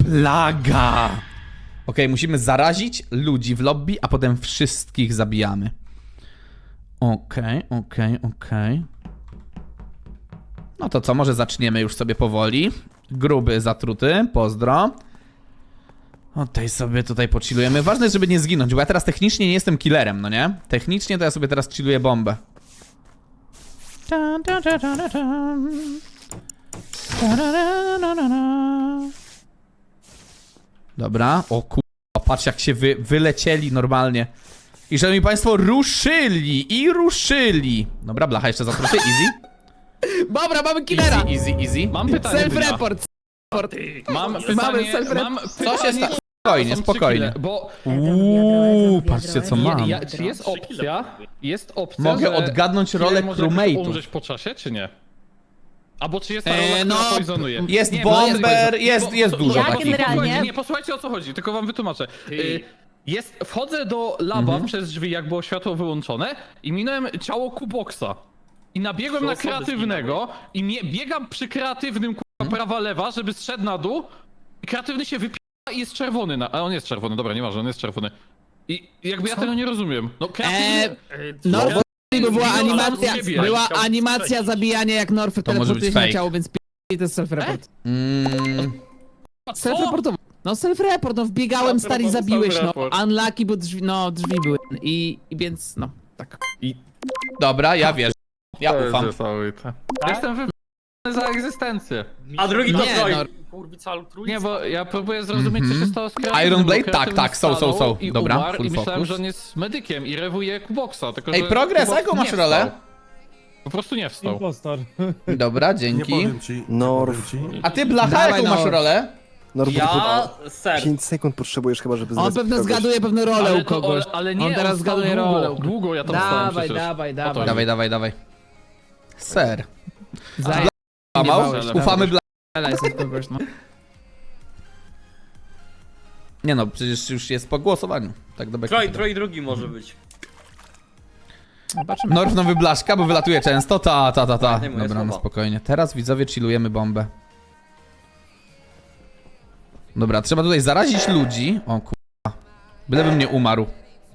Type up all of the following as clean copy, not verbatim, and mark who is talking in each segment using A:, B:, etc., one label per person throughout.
A: plaga! Okej, musimy zarazić ludzi w lobby, a potem wszystkich zabijamy. Okej. No to co, może zaczniemy już sobie powoli. Gruby, zatruty, pozdro. Tutaj sobie pochillujemy. Ważne jest, żeby nie zginąć, bo ja teraz technicznie nie jestem killerem, no nie? Technicznie to ja sobie teraz chilluję bombę. Dobra, o kurwa, patrz jak się wylecieli normalnie. I szanowni państwo, ruszyli. Dobra, blacha jeszcze zatruty, easy.
B: Dobra, mamy killera!
A: Easy.
C: Mam pytanie.
B: Self-report.
C: Mam
B: Mamy
C: pytanie.
B: self-report.
A: Co się stało? Spokojnie.
C: Bo
A: Patrzcie co mam.
C: czy jest opcja,
A: Mogę
C: że
A: odgadnąć rolę
C: killer może jakoś
A: crewmate'u.
C: umrzeć po czasie, czy nie? Albo czy jest ta rola,
B: no,
C: która poisonuje?
A: Jest
C: Nie,
A: bomber, jest dużo
D: Ja
A: takich.
D: generalnie-
C: Nie, posłuchajcie o co chodzi, tylko wam wytłumaczę. Wchodzę do laba przez drzwi, jak było światło wyłączone i minąłem ciało Kuboksa. I nabiegłem na kreatywnego i biegam przy kreatywnym prawa lewa, żeby zszedł na dół i kreatywny się wypija i jest czerwony. A on jest czerwony, dobra, nieważne, on jest czerwony. I jakby ja tego nie rozumiem. No kreatywny...
B: No, bo była
C: Zginął
B: animacja,
C: od ciebie.
B: była animacja zabijania jak Norf
A: To może być
B: teleportuje się na
A: fake.
B: ciało, więc to jest self-report.
C: Co?
B: Self-report, no self-report, no wbiegałem stary i zabiłeś, no.
C: Self-report.
B: Unlucky, bo drzwi były. I więc, no, tak.
A: Dobra, ja wierzę. Ja ufam.
C: Jestem wybrany za egzystencję.
E: A drugi to
B: Nie,
E: Troy.
B: no.
E: Kurwica altruizm.
C: Nie, bo ja próbuję zrozumieć, co się stało z kreatywnym.
A: Iron
C: bo
A: Blade?
C: kreatywny
A: Tak, są.
C: stanął i
A: Dobra,
C: umarł
A: full
C: i myślałem,
A: focus.
C: że on jest medykiem i rewuje Kuboksa, tylko
A: Ej,
C: że
A: Progress,
C: Kuboks
A: jaką masz
C: nie
A: rolę?
C: wstał. Po prostu nie wstał.
F: Impostor.
A: Dobra,
G: Nie
A: dzięki.
G: powiem ci.
H: Norf.
A: A ty, blacha,
B: Dawaj,
A: jaką masz
B: Norf.
A: rolę?
H: Norf,
E: Ja, ser.
H: 5 sekund potrzebujesz chyba, żeby
B: On
H: znaleźć
B: pewno
H: kogoś.
B: zgaduje pewną rolę
C: Ale,
B: u kogoś.
C: ale nie,
B: On teraz
C: on stał
B: zgaduje rolę.
C: Długo ja tam stałem
B: Dawaj,
C: przecież.
B: dawaj,
C: O to
B: dawaj.
A: Dawaj. Ser.
B: Zaj-
A: Mał?
B: bałeś,
A: Ufamy blacha.
B: jest od kogoś, no.
A: Nie no, przecież już jest po głosowaniu. Tak do beki.
E: Troy drugi może być.
B: Zobaczymy.
A: Norf nowy blaszka, bo wylatuje często. Ta.
E: Nie moje
A: Dobra, no
E: słowa.
A: spokojnie. Teraz widzowie chillujemy bombę. Dobra, trzeba tutaj zarazić ludzi. O kurwa. Bylebym nie umarł.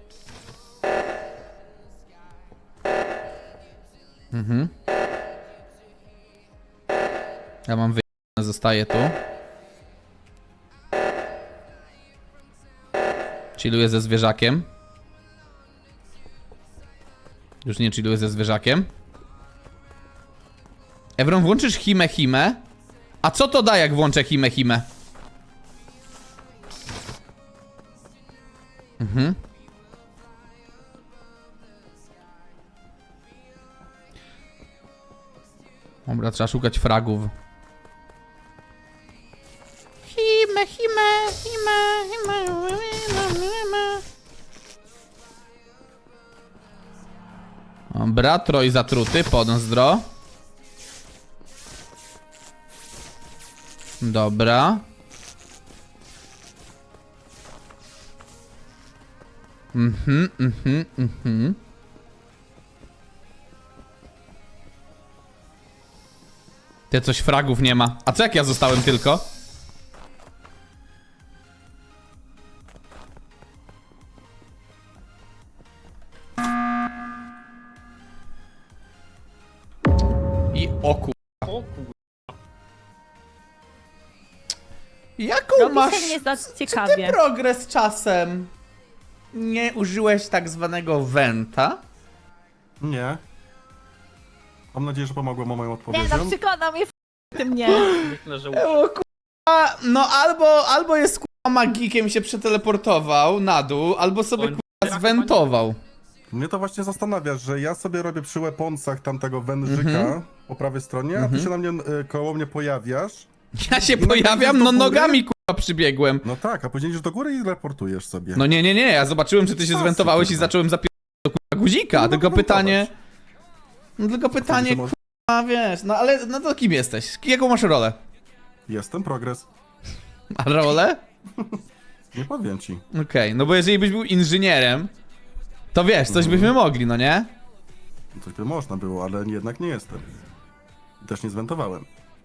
A: Ja mam wyjebane, zostaję tu. Chilluję ze zwierzakiem. Już nie chilluję ze zwierzakiem. Evron, włączysz hime? A co to da, jak włączę hime? Dobra, trzeba szukać fragów. Hime. Dobra, Troy zatruty, pozdro. Dobra. Ty, coś fragów nie ma. A co jak ja zostałem tylko? I oku.
E: O kur...
A: Jaką
D: Robi
A: masz
D: się nie za ciekawie.
A: progres czasem? Nie użyłeś tak zwanego wenta?
G: Nie. Mam nadzieję, że pomogło moją
D: Nie,
G: odpowiedzią.
D: no przekona mnie ty mnie.
E: Myślę, że
A: O kurwa, no albo jest kurwa magikiem i się przeteleportował na dół, albo sobie kurwa zwentował.
G: Mnie to właśnie zastanawia, że ja sobie robię przy weaponsach tamtego wężyka po prawej stronie, a ty się na mnie, koło mnie pojawiasz.
A: Ja się
G: I
A: pojawiam,
G: do
A: no
G: góry?
A: nogami kurwa przybiegłem.
G: No tak, a później idziesz do góry i reportujesz sobie.
A: No nie, ja zobaczyłem, że ty się
G: Co
A: zwentowałeś i
G: kurwa?
A: zacząłem zapierać do kurwa guzika,
G: No,
A: tylko
G: no,
A: pytanie... No tylko pytanie,
G: to może-
A: kurwa, wiesz, no ale no to kim jesteś? Jaką masz rolę?
G: Jestem progres.
A: A rolę?
G: Nie powiem ci.
A: Okej, no bo jeżeli byś był inżynierem, to wiesz, coś byśmy mogli, no nie?
G: Coś by można było, ale jednak nie jestem. I też nie zwentowałem.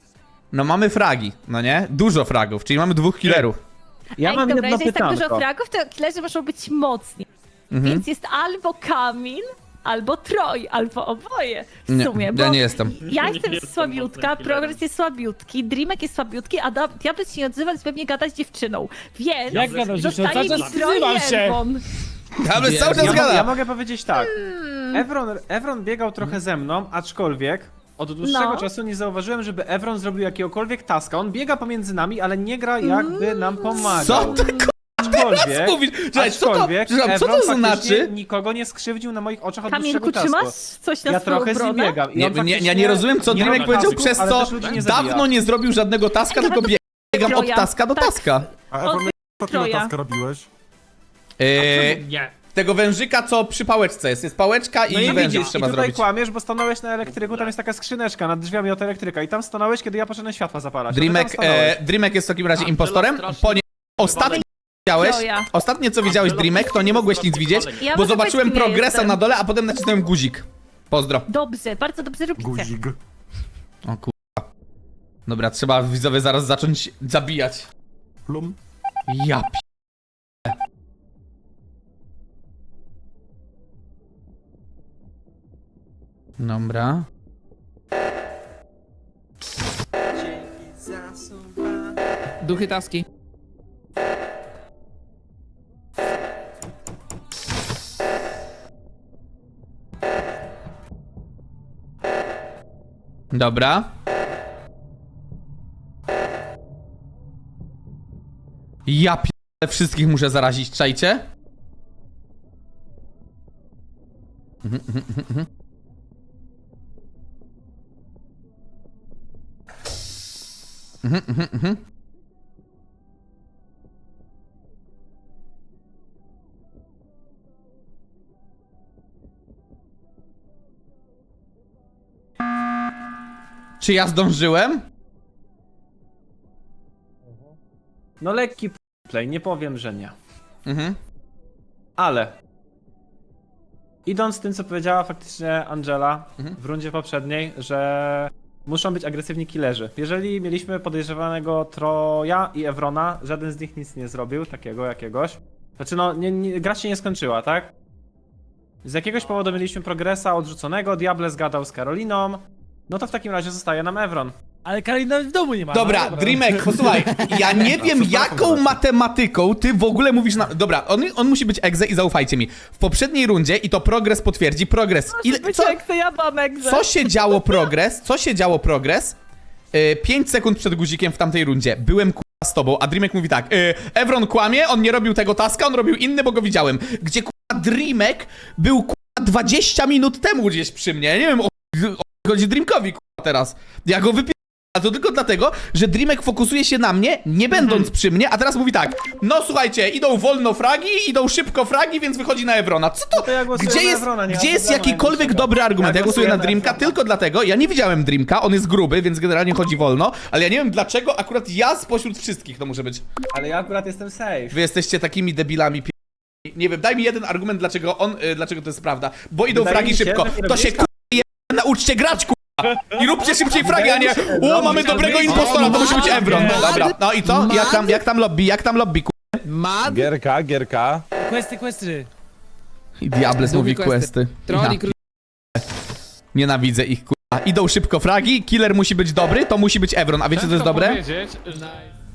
A: No mamy fragi, no nie? Dużo fragów, czyli mamy 2 killerów.
B: Ja
D: Ej,
B: mam
D: dobra,
B: jedno
D: jeżeli jest tak dużo
B: pytanko.
D: fragów, to killerzy muszą być mocni.
A: Mhm.
D: Więc jest albo Kamil, albo Troj, albo oboje w
A: Nie,
D: sumie. Bo
A: ja nie jestem.
D: ja jestem
E: jestem
D: słabiutka,
E: mocnym killerem.
D: Progres jest słabiutki, Dreamek jest słabiutki, a Diabeł się nie odzywa, więc pewnie gada z dziewczyną. Więc
F: Jak gadasz, dziewczyną?
D: zostaje
F: Cały
D: mi
F: czas
D: Troj i
F: odzywam się.
D: Elwon.
A: Ale cały czas
H: Ja
A: gada.
H: mogę powiedzieć tak. Evron biegał trochę ze mną, aczkolwiek od dłuższego
D: No.
H: czasu nie zauważyłem, żeby Evron zrobił jakiegokolwiek taska. On biega pomiędzy nami, ale nie gra jakby nam pomagał.
A: Co ty
H: Aczkolwiek,
A: mówisz? Czekaj, co to,
H: aczkolwiek
A: przepraszam, co
H: Evron
A: to
H: faktycznie
A: znaczy?
H: nikogo nie skrzywdził na moich oczach od
D: Kamilku,
H: dłuższego
D: czy
H: czasu.
D: masz coś na
H: Ja
D: swoją
H: trochę z nim
D: obronę?
H: biegam. I
A: Nie,
H: on
A: ja
H: faktycznie
A: nie rozumiem, co
H: nie
A: Dreamek
H: robi
A: powiedział,
H: tasków,
A: przez
H: ale
A: co
H: też ludzi nie zabija.
A: dawno nie zrobił żadnego taska, tylko biegam od
D: Troja.
A: taska do
D: Tak.
A: taska.
G: A Efron, jakiego
D: Troja.
G: taska robiłeś?
E: Nie.
A: Tego wężyka, co przy pałeczce jest. Jest pałeczka
H: No
A: i
H: i
A: wężyk
H: widzisz, i
A: trzeba
H: tutaj
A: zrobić.
H: kłamiesz, bo stanąłeś na elektryku, tam jest taka skrzyneczka nad drzwiami od elektryka i tam stanąłeś, kiedy ja poszedłem światła zapalać. a ty tam
A: Dreamek,
H: stanąłeś.
A: Dreamek jest w takim razie
E: Angela
A: impostorem.
E: strasznie
A: Ostatnio widziałeś,
D: Troja.
A: ostatnie co widziałeś Dreamek, to nie mogłeś nic widzieć,
D: Ja
A: bo
D: może
A: zobaczyłem
D: powiedz, kim ja
A: progresa
D: jestem.
A: na dole, a potem nacisnąłem guzik. Pozdro.
D: Dobrze, bardzo dobrze robicie.
G: Guzik.
A: O kurwa. Dobra, trzeba widzowie zaraz zacząć zabijać.
G: Plum.
A: Ja p... Dobra.
B: Duchy taski.
A: Dobra. Ja p... wszystkich muszę zarazić, czajcie? Czy ja zdążyłem?
H: No lekki play, nie powiem, że nie.
A: Mhm.
H: Ale idąc z tym, co powiedziała faktycznie Angela
A: Mhm.
H: w rundzie poprzedniej, że muszą być agresywni killerzy. Jeżeli mieliśmy podejrzewanego Troja i Evrona, żaden z nich nic nie zrobił, takiego jakiegoś. Znaczy no, gra się nie skończyła, tak? Z jakiegoś powodu mieliśmy progresa odrzuconego, Diable zgadał z Karoliną, no to w takim razie zostaje nam Evron.
F: Ale Karolina w domu nie ma.
A: Dobra,
F: no,
A: Dreamek, posłuchaj, ja nie wiem jaką matematyką ty w ogóle mówisz na... Dobra, on musi być egze i zaufajcie mi. W poprzedniej rundzie, i to progres potwierdzi, progres...
D: Co? Jak to ja mam egzę.
A: Co się działo progres? Co się działo progres? 5 sekund przed guzikiem w tamtej rundzie. Byłem z tobą, a Dreamek mówi tak. Evron kłamie, on nie robił tego taska, on robił inny, bo go widziałem. Gdzie Dreamek był 20 minut temu gdzieś przy mnie. Ja nie wiem o chodzi Dreamkowi teraz. Ja go wypierdolę. A to tylko dlatego, że Dreamek fokusuje się na mnie, nie będąc przy mnie, a teraz mówi tak. No słuchajcie, idą wolno fragi, idą szybko fragi, więc wychodzi na Evrona. Co to?
H: To ja głosuję
A: Gdzie
H: na
A: jest,
H: Evrona, nie ma
A: gdzie jest
H: problemu
A: jakikolwiek
H: najmniejszego.
A: dobry argument? Ja głosuję na
H: głosuję na
A: Dreamka
H: Evrona.
A: tylko dlatego, ja nie widziałem Dreamka, on jest gruby, więc generalnie chodzi wolno, ale ja nie wiem dlaczego akurat ja spośród wszystkich to muszę być.
H: Ale ja akurat jestem safe.
A: Wy jesteście takimi debilami nie wiem, daj mi jeden argument, dlaczego to jest prawda. Bo idą
H: Wydaje
A: fragi
H: mi się,
A: szybko.
H: że nie
A: To się
H: robisz
A: nauczcie grać i róbcie szybciej fragi, a nie o, mamy dobrego impostora, to musi być Evron. Dobra, no i co? Jak tam lobby,
B: Mad,
F: Gierka. Questy.
A: I Diables
B: Duchy
A: mówi
B: questy.
A: questy.
B: Troll i
A: Ja nienawidzę ich, Idą szybko fragi, killer musi być dobry, to musi być Evron. A wiecie co jest
C: Ciężko
A: dobre?
C: powiedzieć, że